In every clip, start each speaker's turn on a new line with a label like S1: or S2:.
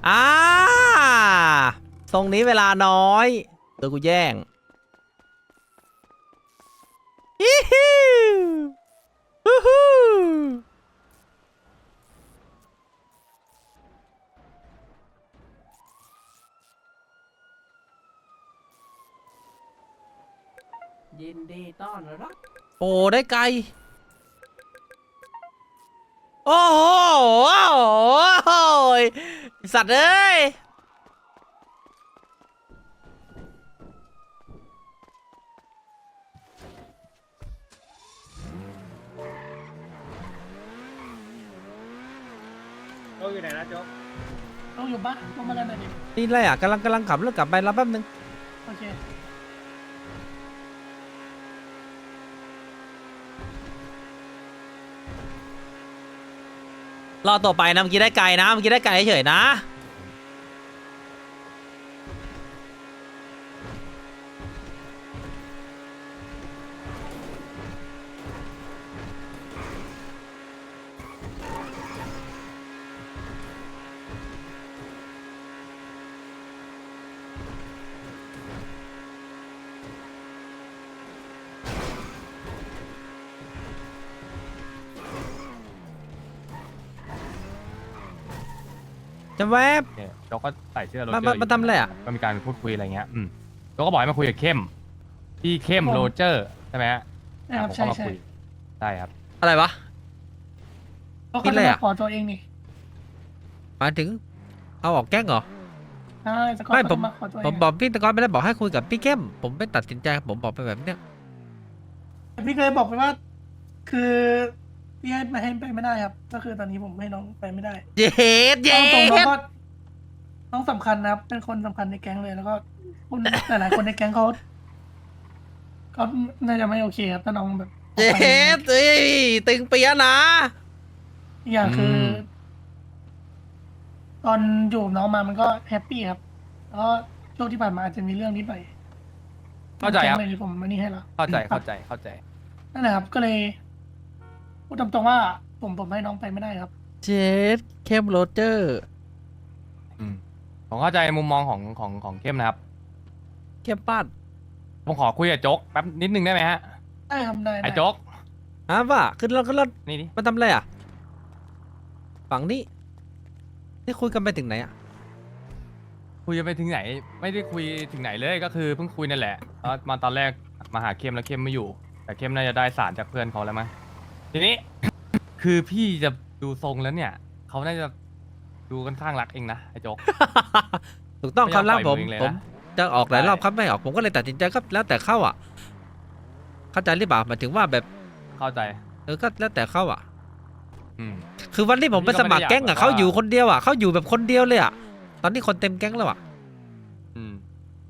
S1: อ่าตรงนี้เวลาน้อยเดี๋ยวกูแย่งฮิฮิฮู้ฮู้ยินดีต้อนรับโอ้ได้ไกลโอ้โหสัตว์เอ้ย
S2: โจ๊กอยู่ไหนนะโจ๊ก
S3: ต้องอยู่ปะต้องมาเล่นหน่อยดิ
S1: นี่อะไรอ่ะกำลังขับรถกลับไปรับแป๊บนึง
S3: โอเค
S1: รอต่อไปนะเมื่อกี้ได้ไกลนะเมื่อกี้ได้ไกลเฉยๆนะจะแวบ
S4: เนี่ยโจ๊กก็ใส่เสื้อโรเจอ
S1: มา
S4: ร์
S1: มาทำอะไรอ่ะ
S4: ก็มีการพูดคุยอะไรเงี้ยโจ๊กก็บอกให้มาคุยกับเข้มพี่เข้มโรเจอร์ใช่ไหมฮะ
S3: นะครับ
S4: ผม
S3: ใช่
S4: ก็มา
S3: ใช่
S4: คุยใช่ครับ
S1: อะไรวะ
S3: เขา
S1: คิด
S3: ก็
S1: เล
S3: จะ
S1: ย
S3: มา
S1: อะ
S3: ขอตัวเองนี่
S1: หมายถึงเอาออกแก๊งเหรอ
S3: ใช่สกอต
S1: ไม่
S3: เขา
S1: ผม
S3: จะมาขอตัวเอ
S1: ผม
S3: ง
S1: บอกพี่ตะกอนไปแล้วบอกให้คุยกับพี่เข้มผมไม่ตัดสินใจผมบอกไปแบบเนี้ย
S3: แต่พี่เคยบอกไปว่า คือพี่ให้มาให้ไปไม่ได้ครับ ก็คือตอนนี้ผมให้น้องไปไม่ได้
S1: เย็ดเย็
S3: เอาตรงน้อง
S1: ด
S3: ก็น้องสำคัญนะครับ เป็นคนสำคัญในแก๊งเลย แล้วก็คนหลายๆคนในแก๊งเขาน่าจะไม่โอเคครับถ้าน้องแบบออก
S1: เย็
S3: ไป
S1: ดเอ้ยตึงเปียะนะ
S3: อีกอย่างคือ ตอนอยู่กับน้องมามันก็แฮปปี้ครับ แล้วก็ช่วงที่ผ่านมาอาจจะมีเรื่องนิดหน่อย
S4: เข้าใจครับ
S3: แก๊งเลยผมมานี่ให้แล้ว
S4: เข้าใจ
S3: ครับ
S4: เข้าใจ
S3: นั่นแหละครับก็เลยพูดตรงๆว่าผมให้น้องไปไม่ได้ครับ
S1: เจ็ดเข้มโรเจอร์
S4: ผมเข้าใจมุมมองของเข้มนะครับ
S1: เข้มป้าน
S4: ผมขอคุยกับโจ๊กแป๊บนิดนึงได้ไหมฮะ
S3: ได้ครับได้
S4: ไอ้โจ๊ก
S1: อ่ะว่าขึ้นรถ
S4: นี่ดิ
S1: มาทำอะไรอ่ะฝั่งนี้นี่คุยกันไปถึงไหนอ่ะ
S4: คุยกันไปถึงไหน ไม่ได้คุยถึงไหนเลยก็คือเพิ่งคุยนั่นแหละแล้วมาตอนแรกมาหาเข้มแล้วเข้มไม่อยู่ แต่เข้มน่าจะได้สารจากเพื่อนเขาแล้วมั้งทีนี้ คือพี่จะดูทรงแล้วเนี่ยเขาน่าจะดูค่อนข้างรักเองนะไอ้โจ๊ก
S1: ถูกต้องครับแล้วผม
S4: ไม่ยอมปล่อยมือเองเลยนะ
S1: ผมจะออกหลาย
S4: ใช่
S1: รอบครับไม่ออกผมก็เลยตัดสินใจก็แล้วแต่เข้าอ่ะ เข้าใจหรือเปล่าหมายถึงว่าแบบ
S4: เข้าใจ
S1: ก็แล้วแต่เข้าอ่ะ
S4: อืม
S1: คือวันที่ผมไปสมัครแก๊งอ่ะ
S4: พี่ก็
S1: เขา
S4: ไม่ได้อยาก
S1: อยู่คนเดียวอ่ะเขาอยู่แบบคนเดียวเลยอ่ะตอนนี้คนเต็มแก๊งแล้วอ่ะ
S4: อืม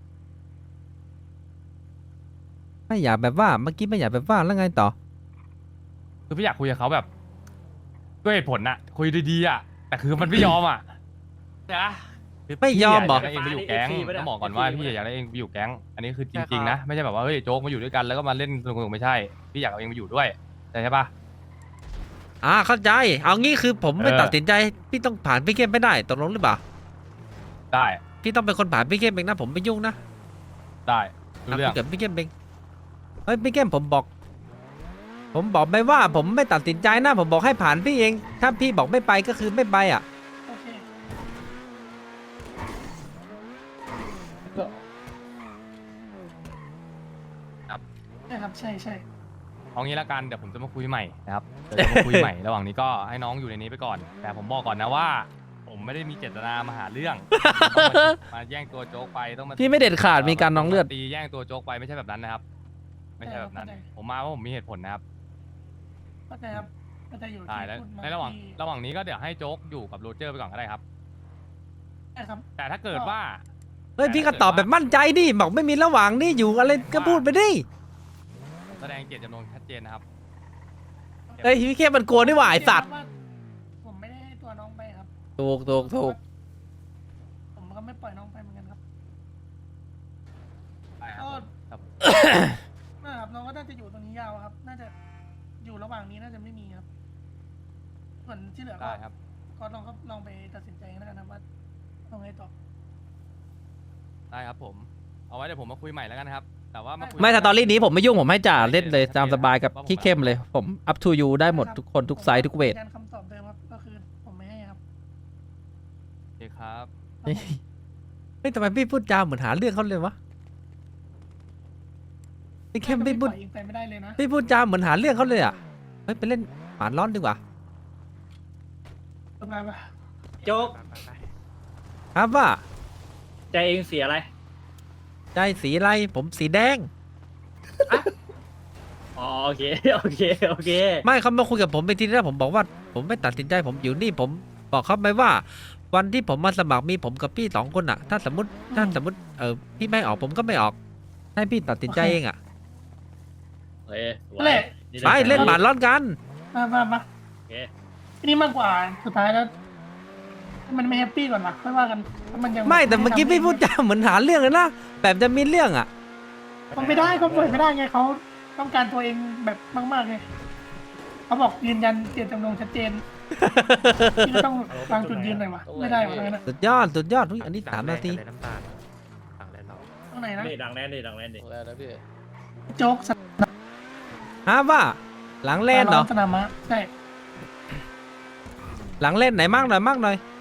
S1: ไม่อยากแบบว่าเมื่อกี้ไม่อยากแบบว่าแล้วไงต่อ
S4: คือพี่อยากคุยกับเขาแบบด้วยเหตุผลน่ะ คุยดีๆอ่ะแต่คือมันไม่ยอมอ่ะ
S2: จ้ะ
S4: คือ
S1: ไม่ยอมเหรอ
S4: พี่ยากได้เองไปอยู่แก๊ง
S2: FP ปะเนี่ย
S4: ต้องบอกก่อนว่า
S2: FP
S4: พี่อยากได้เองไปอยู่แก๊งอันนี้คือจ
S2: ใช่
S4: ริง
S2: ครับ
S4: ๆนะไม่ใช่แบบว่าเฮ้ยโจ๊กมาอยู่ด้วยกันแล้วก็มาเล่นสนุกๆไม่ใช่พี่อยากเอาเองไปอยู่ด้วยใช่ปะ
S1: เข้าใจเอางี้คือผมไม่
S4: เออ
S1: ตัดสินใจพี่ต้องผ่านพี่เข้มไม่ได้ตกลงหรือเปล่า
S4: ได้
S1: พี่ต้องเป็นคนผ่านพี่เข้มเองนะผมไม่ยุ่งนะ
S4: ได้รู้
S1: คุ
S4: เรื่อง
S1: ยกับพี่เข้มเองเฮ้ยพี่เข้มผมบอกไปว่าผมไม่ตัดสินใจนะผมบอกให้ผ่านพี่เอง ถ้าพี่บอกไม่ไปก็คือไม่ไปอ่ะ
S3: โอเค ใช่ครับใช่ใช่
S4: เอางี้ละกันเดี๋ยวผมจะมาคุยใหม่นะครับเดี๋ยวจะมาคุยใหม่ ระหว่างนี้ก็ให้น้องอยู่ในนี้ไปก่อน แต่ผมบอกก่อนนะว่า ผมไม่ได้มีเจตนามาหาเรื่องต้องมาแย่งตัวโจ๊กไปต้องมา
S1: พี่ไม่เด็ดขาดมีการน้องเลือด
S4: ตีแย่งตัวโจ๊กไปไม่ใช่แบบนั้นนะครับ ไม่ใช่แบบนั้น ผมมาเพราะผมมีเหตุผลนะครับ
S3: เข้าใจครับเข้าใจอยู่
S4: ได้
S3: ที่
S4: แล้ว
S3: พูดมา
S4: ในระหว่าง
S3: ที่
S4: ระหว่างนี้ก็เดี๋ยวให้โจ๊กอยู่กับโรเจอร์ไปก่อนก็ได้ครับ
S3: ใช่ครับ
S4: แต่ถ้าเกิดว่า
S1: เฮ้ยพี่ก็ตอบแบบมั่นใจดิบอกไม่มีระหว่างนี่อยู่อะไรก็พูดไปดิ
S4: แสดงเจตจำนงชัดเจนนะครับ
S1: เฮ้ยพี่เข้มมันกลัวนี่หว่าไอสัตว์
S3: ผมไม่ได้ให้ตัวน้องไปครับ
S1: ถูก
S3: ผมก็ไม่ปล่อยน้องไปเหมือนกันครับ
S4: ได้ครับผมครับ
S3: นะครับน้องก็น่าจะอยู่ตรงนี้ยาวครับ น่าจะอยู่ระหว่างนี้น่าจะไม่มีครับ ส่วนที่เหลือก็
S4: ได้ครับ
S3: ก็ลองไปตัดสินใจกันแล้วกันนะว่าเอาไงต่อ
S4: ได้ครับผม เอาไว้เดี๋ยวผมมาคุยใหม่แล้วกันครับ แต่ว่ามาคุย
S1: ไม่สตอรี่นี้ผมไม่ยุ่งผมให้จ่าเล่นเลยตามสบายกับขี้เข้มเลยผม up to you ได้หมดทุกคนทุกไซส์ทุกเวท
S3: ยืนยันคำตอบเดิมครับก็คือผมไม่ให้ครับ
S4: โอเคครับ
S1: เฮ้ยเฮ้ยทำไมพี่พูดจาเหมือนหาเรื่องเขาเลยวะพี่เข้มพี่พูด
S3: ปล่อยยิงไปไม่ได้เลยนะ
S1: พี่พูดจาเหมือนหาเรื่องเขาเลยอ่ะเฮ้ยไปเล่นหมาร้อนดีกว่า
S3: ทำงานปะ
S2: โจ๊ก
S1: ครับว่า
S2: ใจเองเสียอะไร
S1: ใจสีอะไรผมสีแดง
S2: อ๋อโอเค โอเค โอเค
S1: ไม่เขามาคุยกับผมไปทีแรกผมบอกว่า ผมไม่ตัดสินใจผมอยู่นี่ผมบอกเขาไปว่า วันที่ผมมาสมัครมีผมกับพี่สองคนอ่ะ ถ้าสมมติพี่ไม่ออกผมก็ไม่ออก ให้พี่ตัดสินใจเองอ่ะ
S2: เฮ้ยสวย
S3: นั่นแหละ
S1: ไปเล่นหมาร้อนกัน
S3: มา
S2: โอเค
S3: ทีนี้มากกว่าสุดท้ายแล้วถ้ามันไม่แฮปปี้ก่อนนะค่อยว่ากันถ้ามันยัง
S1: ไม่แต่เมื่อกี้พี่พูดจาเหมือนหาเรื่องเลยนะแบบจะมีเรื่องอ่ะ
S3: มันไม่ได้เขาปล่อยไม่ได้ไงเขาต้องการตัวเองแบบมากๆไงเขาบอกยืนยันเจตจำนงชัดเจนพี่ก็ต้องวางจุดยืนหน่อยวะไม่ได้วะนะ
S1: สุดยอดสุดยอดอุ๊ยอันนี้3 นาที
S5: น้ำตาลสั่งแล้วเรา
S3: ตรงไหนนะ
S2: นี่ดังแน่นดิดังแน่นดิ
S5: ตรงแล้วนะพี่
S3: โจ๊กส
S1: ฮะว่า หลังเล่นเหรอ
S3: สนามม้าใช่
S1: หลังเล่นไหนมากหน่อยมากหน่อย